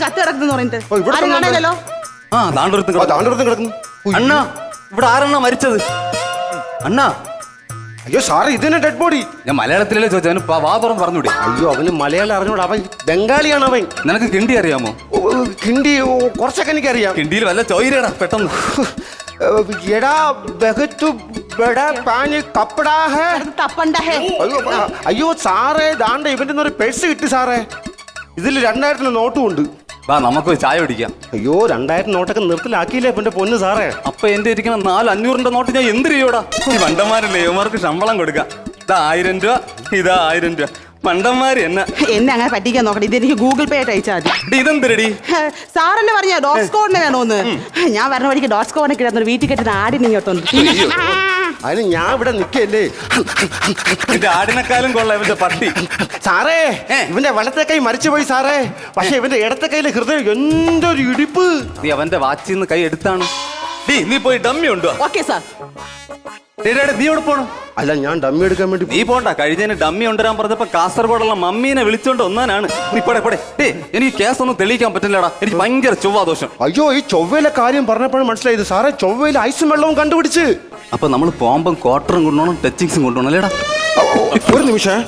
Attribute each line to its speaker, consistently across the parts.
Speaker 1: ചത്ത് കിടക്കുന്നു പറഞ്ഞിട്ട് ആരും കാണാനല്ലോ.
Speaker 2: താണ്ടൊരുത്തും കിടക്കുന്നു.
Speaker 3: അണ്ണാ ഇവിടെ ആരെണ്ണ മരിച്ചത്? അണ്ണാ
Speaker 2: അയ്യോ സാറേ, ഇതന്നെ ഡെഡ് ബോഡി.
Speaker 3: ഞാൻ മലയാളത്തിലല്ലേ ചോദിച്ചു, അവന് വാ തുറന്ന് പറഞ്ഞൂടെ?
Speaker 2: അയ്യോ അവന് മലയാളം അറിഞ്ഞൂടാ, അവൻ ബംഗാളിയാണ് അവൻ.
Speaker 3: നിനക്ക് കിണ്ടി അറിയാമോ?
Speaker 2: കിണ്ടി കുറച്ചൊക്കെ എനിക്കറിയാം.
Speaker 3: കിണ്ടിയിൽ വല്ല ചോയിരടാ പെട്ടെന്ന്.
Speaker 2: എടാ ബഹത്തു ബടാ പാനി കപ്പടാ ഹേ
Speaker 1: തപ്പണ്ട ഹേ.
Speaker 2: അയ്യോ സാറേ, ദാണ്ട ഇവന്റെ ഒരു പേഴ്സ് കിട്ടി സാറേ. ഇതിൽ 2000 നോട്ടും ഉണ്ട്.
Speaker 3: വാ നമുക്ക് ചായ പിടിക്കാം.
Speaker 2: അയ്യോ 2000 നോട്ടൊക്കെ നിർത്തലാക്കിയില്ലേ എന്റെ പൊന്ന് സാറേ.
Speaker 3: അപ്പൊ എന്റെ ഇരിക്കുന്ന 400-500 നോട്ട് ഞാൻ എന്ത് ചെയ്യൂടാ? ഈ മണ്ടന്മാരല്ലേ, ഇവന്മാർക്ക് ശമ്പളം കൊടുക്കാം. ഇതാ 1000 രൂപ, ഇതാ 1000 രൂപ. മണ്ടന്മാര് എന്നെ
Speaker 1: അങ്ങനെ പറ്റിക്കാൻ നോക്കട്ടെ. ഇത് എനിക്ക് ഗൂഗിൾ പേ ആയിട്ട് അയച്ചാൽ മതി.
Speaker 3: ഇതെന്തിരടി?
Speaker 1: സാറല്ലേ പറഞ്ഞ ഡോട്ട് സ്കോറിന് വേണോന്ന്. ഞാൻ പറഞ്ഞ വഴിക്ക് ഡോട്ട് സ്കോറിനെ കിടന്നൊരു വീട്ടിൽ കെട്ടുന്ന ആടിനെ ഇങ്ങോട്ടുണ്ട്.
Speaker 2: അതിന് ഞാൻ ഇവിടെ നിക്കല്ലേ.
Speaker 3: എന്റെ ആടിനെക്കാളും കൊള്ളാം ഇവന്റെ പട്ടി.
Speaker 2: സാറേ ഇവന്റെ വലത്തെ കൈ മരിച്ചുപോയി സാറേ. പക്ഷെ ഇവന്റെ ഇടത്തെ കൈയിലെ ഹൃദയം എന്തൊരു ഇടിപ്പ്.
Speaker 3: നീ അവന്റെ വാച്ചിൽ നിന്ന് കൈ എടുത്താണ്. നീ പോയി ഡമ്മി ഉണ്ടോ?
Speaker 1: Okay sir.
Speaker 3: നീ എവിടെ പോണു?
Speaker 2: അല്ല ഞാൻ ഡമ്മി എടുക്കാൻ വേണ്ടി.
Speaker 3: നീ പോണ്ട. കഴിഞ്ഞതിന് ഡമ്മി കൊണ്ടുവരാൻ പറഞ്ഞപ്പോ കാസർഗോഡുള്ള മമ്മീനെ വിളിച്ചോണ്ട് ഒന്നാനാണ്. നീ പോടെ. എനിക്ക് കേസ് ഒന്നും തെളിയിക്കാൻ പറ്റില്ലടാ. എനിക്ക് ഭയങ്കര ചൊവ്വാദോഷം.
Speaker 2: അയ്യോ ഈ ചൊവ്വയിലെ കാര്യം പറഞ്ഞപ്പോഴും മനസ്സിലായത് സാറേ. ചൊവ്വയിൽ ഐസും വെള്ളവും കണ്ടുപിടിച്ച്.
Speaker 3: അപ്പൊ നമ്മൾ പോകുമ്പം ക്വാർട്ടറും കൊണ്ടുപോകണം, ടച്ചിങ്സും കൊണ്ടുപോകണം അല്ലേടാ?
Speaker 2: ഒരു നിമിഷം.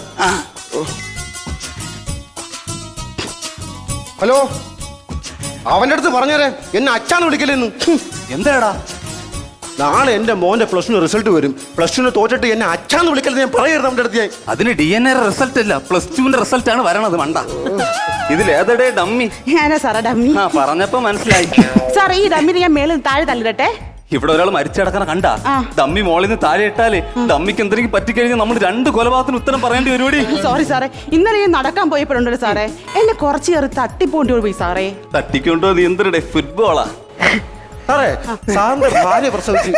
Speaker 2: ഹലോ, അവന്റെ അടുത്ത് പറഞ്ഞേരെ എന്നെ അച്ഛാന്ന് വിളിക്കലെന്ന്.
Speaker 3: എന്താടാ?
Speaker 2: നാളെ എന്റെ മോന്റെ +2 റിസൾട്ട് വരും. +2 തോറ്റിട്ട് എന്നെ അച്ഛാന്ന് വിളിക്കലെന്ന് ഞാൻ പറയരുത് അവന്റെ അടുത്ത്.
Speaker 3: അതിന് DNA റിസൾട്ട് ഇല്ല, +2 റിസൾട്ട് ആണ് വരണത്. മണ്ട. ഇതിലേതടേ ഡമ്മി?
Speaker 1: ഞാനാ സാറേ ഡമ്മി.
Speaker 3: പറഞ്ഞപ്പോ മനസ്സിലായി.
Speaker 1: സാറേ ഈ ഡമ്മിന് ഞാൻ മേളിൽ താഴെ തള്ളിടട്ടെ.
Speaker 3: ഇവിടെ ഒരാൾ മരിച്ചടക്കണ കണ്ട. ഡമ്മി മോളിൽ നിന്ന് താഴെ ഇട്ടാലേ ഡമ്മിക്ക് എന്തെങ്കിലും പറ്റിക്കഴിഞ്ഞാൽ നമ്മൾ 2 കൊലപാതകത്തിന് ഉത്തരം പറയേണ്ടി വരുവോടി.
Speaker 1: സോറി സാറേ, ഇന്നലെ ഞാൻ നടക്കാൻ പോയപ്പോഴുണ്ടല്ലോ സാറേ, എന്നെ കുറച്ച് കയറി തട്ടിപ്പോണ്ടി പോയി സാറേ.
Speaker 3: തട്ടിക്കൊണ്ടോ? നീ എന്തിടെ ഫുട്ബോളാ?
Speaker 2: സാറേ സാറിന്റെ ഭാര്യ പ്രസവിച്ചു.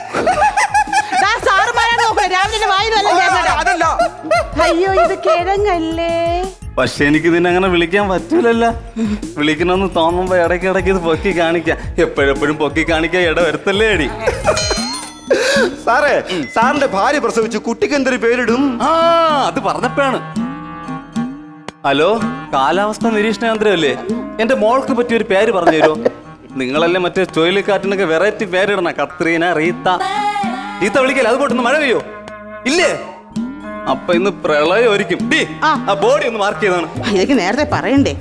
Speaker 1: അയ്യോ ഇത് കിഴങ്ങല്ലേ.
Speaker 3: പക്ഷെ എനിക്ക് ഇതിനെ അങ്ങനെ വിളിക്കാൻ പറ്റൂലല്ല. വിളിക്കണമെന്ന് തോന്നുമ്പോ ഇടയ്ക്ക് ഇത് പൊക്കി കാണിക്കാം. എപ്പോഴെപ്പോഴും പൊക്കി കാണിക്കാൻ ഇട വരുത്തല്ലേ അടി.
Speaker 2: സാറേ സാറിന്റെ ഭാര്യ പ്രസവിച്ചു. കുട്ടിക്ക് എന്തൊരു പേരിടും?
Speaker 3: അത് പറഞ്ഞപ്പോഴാണ്. ഹലോ, കാലാവസ്ഥ നിരീക്ഷണ കേന്ദ്രമല്ലേ? എന്റെ മോൾക്ക് പറ്റിയൊരു പേര് പറഞ്ഞു തരുമോ? നിങ്ങളല്ലേ മറ്റേ ചുഴലിക്കാറ്റിനൊക്കെ വെറൈറ്റി പേരിടണ. Katrina, Rita. റീത്ത വിളിക്കല്ലേ? അത് പോട്ടൊന്ന് മഴ പെയ്യോ? ഇല്ലേ? അപ്പൊ ഇന്ന് പ്രളയം ഒരിക്കും. ആ ബോഡി ഒന്ന് മാർക്ക് ചെയ്താണ്.
Speaker 1: എനിക്ക് നേരത്തെ പറയണ്ടേ?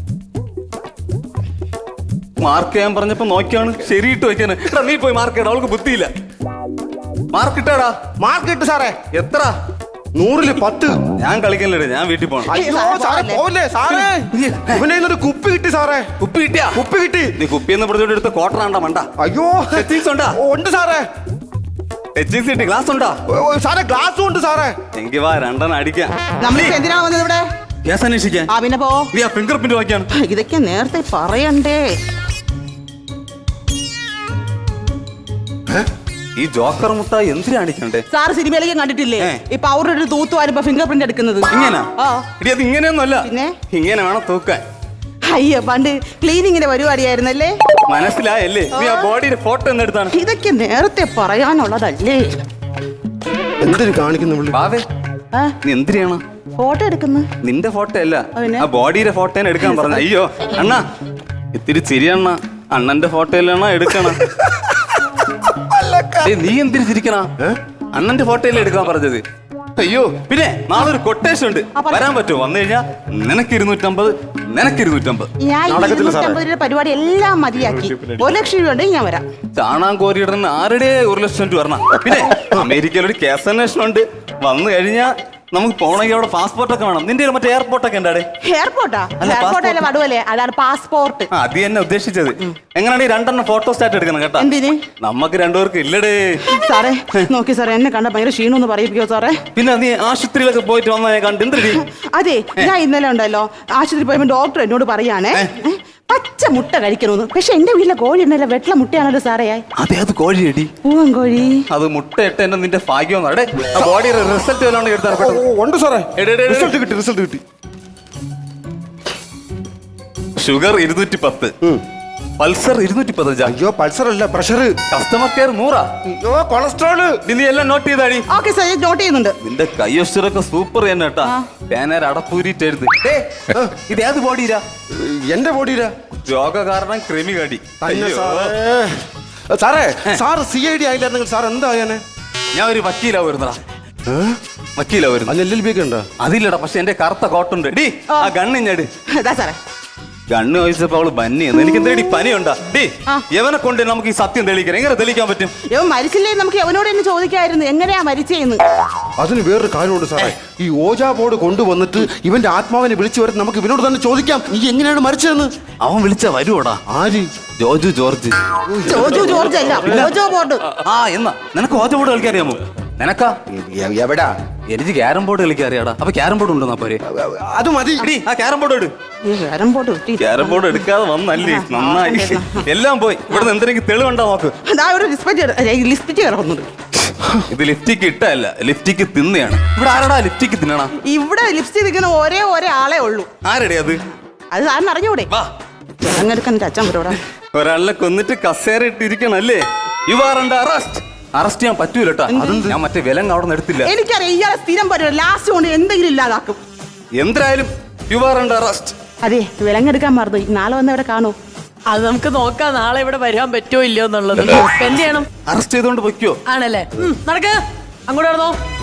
Speaker 3: മാർക്ക് ചെയ്യാൻ പറഞ്ഞപ്പോ നോക്കിയാണ് ശരിയിട്ട് വെക്കാന്. നീ പോയി മാർക്ക് ചെയ്യണം. അവൾക്ക് ബുദ്ധിയില്ല. മാർക്ക് ഇട്ടാടാ.
Speaker 2: മാർക്ക് ഇട്ട് സാറേ.
Speaker 3: എത്ര?
Speaker 2: 100-ൽ 10.
Speaker 3: ഞാൻ കളിക്കല്ലേ, ഞാൻ വീട്ടിൽ പോകണം.
Speaker 2: അയ്യോ സാറേ പോവല്ലേ സാറേ. ഇവനെ ഇന്നൊരു കുപ്പി കിട്ടി സാറേ.
Speaker 3: കുപ്പി കിട്ടിയാ?
Speaker 2: കുപ്പി കിട്ടി.
Speaker 3: നീ കുപ്പിന്ന് പറഞ്ഞോണ്ട് എടുത്ത ക്വാർട്ടറാണ്ടാ മണ്ട.
Speaker 2: അയ്യോ
Speaker 3: ടച്ചിങ്സ് ഉണ്ടാ?
Speaker 2: ഉണ്ട് സാറേ.
Speaker 3: ടച്ചിങ്സ് കിട്ടി. ഗ്ലാസ് ഉണ്ടാ?
Speaker 2: സാറേ ഗ്ലാസും ഉണ്ട് സാറേ.
Speaker 3: എങ്കിൽ വാ 2 അടിക്കാം.
Speaker 1: നമ്മളിപ്പോ എന്തിനാ വന്നത് ഇവിടെ?
Speaker 3: കേസ് അന്വേഷിക്കാൻ.
Speaker 1: പിന്നെ പോ.
Speaker 3: നീ ആ ഫിംഗർ പ്രിന്റ് വാങ്ങിയാണ്.
Speaker 1: ഇതൊക്കെ നേരത്തെ പറയണ്ടേ?
Speaker 3: ഈ ജോക്കർ മുട്ട എന്തിനാ അടിക്കണ്ടേ?
Speaker 1: സാർ സിനിമയിലേക്ക് കണ്ടിട്ടില്ലേ ഈ പൗഡർ ഇട്ട് തൂത്ത് വരുമ്പോ ഫിംഗർ പ്രിന്റ് എടുക്കുന്നത്?
Speaker 3: ഇങ്ങനെ? അത് ഇങ്ങനെയൊന്നുമല്ല.
Speaker 1: പിന്നെ
Speaker 3: ഇങ്ങനെ വേണം തൂക്കാൻ.
Speaker 1: അയ്യോ പണ്ട് ക്ലീനിങ്ങിന്റെ പരിപാടിയായിരുന്നല്ലേ?
Speaker 3: മനസ്സിലായല്ലേ? നീ ആ ബോഡിയുടെ ഫോട്ടോ എന്ന് എടുത്താണ്.
Speaker 1: ഇതൊക്കെ നേരത്തെ പറയാനുള്ളതല്ലേ?
Speaker 2: എന്തിനു കാണിക്കുന്നു?
Speaker 3: നീ എന്തിനാണ്
Speaker 1: ഫോട്ടോ എടുക്കുന്നു?
Speaker 3: നിന്റെ ഫോട്ടോ അല്ല, ആ ബോഡിയുടെ ഫോട്ടോ എടുക്കാൻ പറഞ്ഞു. അയ്യോ അണ്ണാ ഇത്തിരി ചിരിയണ്ണ. അണ്ണന്റെ ഫോട്ടോയിലാണോ എടുക്കണം? നീ എന്തിനു ചിരിക്കണ? അണ്ണന്റെ ഫോട്ടോയിലേ എടുക്കാൻ പറഞ്ഞത്. അയ്യോ പിന്നെ നാളെ ഒരു കൊട്ടേഷൻ ഉണ്ട്, വരാൻ പറ്റുമോ? വന്നു കഴിഞ്ഞാൽ നിനക്ക് 250, നിനക്ക് 250.
Speaker 1: ഞാൻ 250 പരിപാടി എല്ലാം മതിയാക്കി. 1 ലക്ഷം രൂപ ഉണ്ടെങ്കിൽ ഞാൻ വരാം.
Speaker 3: ചാണാൻ കോരിയിടുന്ന ആരുടെ 1 ലക്ഷം രൂപ വരണം. പിന്നെ അമേരിക്കയിൽ ഒരു കേസ് അന്വേഷണം ഉണ്ട്. വന്നു കഴിഞ്ഞാൽ നമുക്ക് പോണെങ്കിൽ അവിടെ പാസ്പോർട്ടൊക്കെ വേണം. നിന്റെ മറ്റേ എയർപോർട്ടൊക്കെ ഉണ്ടാടെ?
Speaker 1: എയർപോർട്ടാ? എയർപോർട്ടല്ലേ വടുവല്ലേ? അതാണ് പാസ്പോർട്ട്.
Speaker 3: അത് തന്നെ ഉദ്ദേശിച്ചത്. എങ്ങനെയാണ് 2 ഫോട്ടോ സ്റ്റാറ്റ് എടുക്കണം കേട്ടോ?
Speaker 1: എന്തിന്?
Speaker 3: നമുക്ക് 2 പേർക്ക് ഇല്ലടേ.
Speaker 1: സാറേ നോക്കി സാറേ, എന്നെ കണ്ട ഭയങ്കര ക്ഷീണൊന്ന് പറയിപ്പിക്കോ സാറേ?
Speaker 3: പിന്നെ നീ ആശുപത്രിയിലൊക്കെ പോയിട്ട് വന്നാ കണ്ട് എന്തിനീ?
Speaker 1: അതെ ഞാൻ ഇന്നലെ ഉണ്ടല്ലോ ആശുപത്രി പോയപ്പോ ഡോക്ടർ എന്നോട് പറയാണേ പച്ച മുട്ട കഴിക്കണമെന്ന്. പക്ഷെ എന്റെ വീട്ടിലെ കോഴി ഉണ്ടല്ലോ വെട്ട മുട്ടയാണല്ലോ സാറേ.
Speaker 3: അതെ അത് കോഴിയടി.
Speaker 1: പൂവൻ കോഴി.
Speaker 3: അത് മുട്ട ഇട്ട് എന്നെ നിന്റെ ഭാഗ്യം. ബോഡിയുടെ റിസൾട്ട് വല്ലാണ്ട് എടുത്താൽ
Speaker 2: ഉണ്ട് സാറേ. റിസൾട്ട് കിട്ടി, റിസൾട്ട് കിട്ടി.
Speaker 3: Sugar 210, pulsar 210.
Speaker 2: അയ്യോ പൾസർ അല്ല, പ്രഷർ.
Speaker 3: Customer care 100.
Speaker 2: അയ്യോ കൊളസ്ട്രോള്.
Speaker 3: നീ എല്ലാം നോട്ട് ചെയ്താടി?
Speaker 1: ഓക്കെ സാർ, നോട്ട് ചെയ്യുന്നുണ്ട്.
Speaker 3: നിന്റെ കയ്യൊസ്റ്ററൊക്കെ സൂപ്പർ തന്നെ കേട്ടാ. പേനർ അടപ്പൂരിട്ട് എഴുത്. ഇത് ഏത് ബോഡിയിലാ?
Speaker 2: എന്റെ ബോഡിയിലാ.
Speaker 3: രോഗകാരണം കൃമി കടി.
Speaker 2: തന്നെ
Speaker 3: അയ്യോ.
Speaker 2: സാറേ സാറ് CID ആയില്ലായിരുന്നെങ്കിൽ സാർ എന്താ ആയാനെ?
Speaker 3: ഞാൻ ഒരു വക്കീലാ വരുന്നടാ. വക്കീലാ വരുന്നത്.
Speaker 2: അതിന് LLB ഒക്കെ ഉണ്ടോ?
Speaker 3: അതില്ലടാ, പക്ഷെ എന്റെ കറുത്ത കോട്ടുണ്ട്. ഡി ആ ഗണ്ണിഞ്ഞട്.
Speaker 1: ഇതാ സാറേ.
Speaker 3: ഗണ്ണ് ചോദിച്ചപ്പോ അവള് ബന്നിയെന്ന്. എനിക്ക് എന്തേടി പനിയുണ്ടാ? ഡി
Speaker 1: ആ.
Speaker 3: എവനെ കൊണ്ട് നമുക്ക് ഈ സത്യം തെളിയിക്കണം. എങ്ങനെ തെളിയിക്കാൻ പറ്റും?
Speaker 1: ഇവൻ മരിച്ചില്ലേ നമുക്ക് അവനോട് തന്നെ ചോദിക്കായിരുന്നു എങ്ങനെയാ മരിച്ചേന്ന്.
Speaker 2: അതിന് വേറൊരു കാര്യമുണ്ട് സാറേ. ഈ ഓജാ ബോർഡ് കൊണ്ടുവന്നിട്ട് ഇവന്റെ ആത്മാവിനെ വിളിച്ചു വരുന്ന നമുക്ക് ഇവനോട് തന്നെ ചോദിക്കാം നീ എങ്ങനെയാണ് മരിച്ചതെന്ന്.
Speaker 3: അവൻ വിളിച്ച വരുവോടാ.
Speaker 2: ആര്?
Speaker 3: ജോജു ജോർജ്.
Speaker 1: ജോർജ് അല്ല, ഓജോ ബോർഡ്.
Speaker 3: ആ എന്നാ നിനക്ക് ഓജോ ബോർഡ് കളിക്കാൻ അറിയാമോ? നിനക്കാ?
Speaker 2: എവിടാ?
Speaker 3: എനിക്ക് ക്യാരം ബോർഡ് കളിക്കാൻ അറിയാടാ. അപ്പൊ ക്യാരം ബോർഡ് ഉണ്ടോ പോരെ?
Speaker 2: അത് മതി.
Speaker 3: ഡി ആ ക്യാരം ബോർഡ് ഇട്.
Speaker 1: ക്യാരം ബോർഡ് കിട്ടി.
Speaker 3: ക്യാരം ബോർഡ് എടുക്കാതെ വന്നല്ലേ, നന്നായി. എല്ലാം പോയി. ഇവിടുന്ന് എന്തെങ്കിലും തെളിവുണ്ടോ നോക്ക്.
Speaker 1: അതാ ഒരു ലിസ്റ്റിറ്റ് കിടക്കുന്നുണ്ട്.
Speaker 3: ഇത് ലിഫ്റ്റിക്ക് ഇട്ടല്ല, ലിഫ്റ്റിക്ക് തിന്നെയാണ്. ഇവിടെ ആരടാ ലിഫ്റ്റിക്ക് തിന്നണ?
Speaker 1: ഇവിടെ ലിപ്സ്റ്റിക് നിൽക്കുന്ന ഒരേ ആളെ ഉള്ളൂ.
Speaker 3: ആരടേ അത്?
Speaker 1: അത് സാറിന് അറിഞ്ഞൂടെ?
Speaker 3: വാ,
Speaker 1: അങ്ങെടുക്കാൻ എന്റെ അച്ഛൻ വരോടാ.
Speaker 3: ഒരാളിനെ കൊന്നിട്ട് കസേര ഇട്ടിരിക്കണല്ലേ? You are under arrest. Arrest ചെയ്യാൻ പറ്റൂലട്ടാ. ഞാൻ മറ്റേ വിലങ്ങ് അവിടെ നിന്ന് എടുത്തില്ല.
Speaker 1: എനിക്കറിയാം ഇയാളെ സ്ഥിരം പരിപാടി ലാസ്റ്റ് കൊണ്ട് എന്തെങ്കിലും ഇല്ലാതാക്കും.
Speaker 3: എന്തായാലും യു ആർ അണ്ടർ അറസ്റ്റ്.
Speaker 1: അതെ, വിലങ്ങെടുക്കാൻ മറന്നു. നാളെ വന്ന് ഇവിടെ കാണൂ.
Speaker 4: അത് നമുക്ക് നോക്കാം നാളെ ഇവിടെ വരാൻ പറ്റുമോ ഇല്ലയോ എന്നുള്ളത്. എന്ത് ചെയ്യണം?
Speaker 3: അറസ്റ്റ് ചെയ്തോണ്ട് പൊയ്ക്കോ.
Speaker 4: ആണല്ലേ? നടക്ക്, അങ്ങോട്ട് നടന്നോ.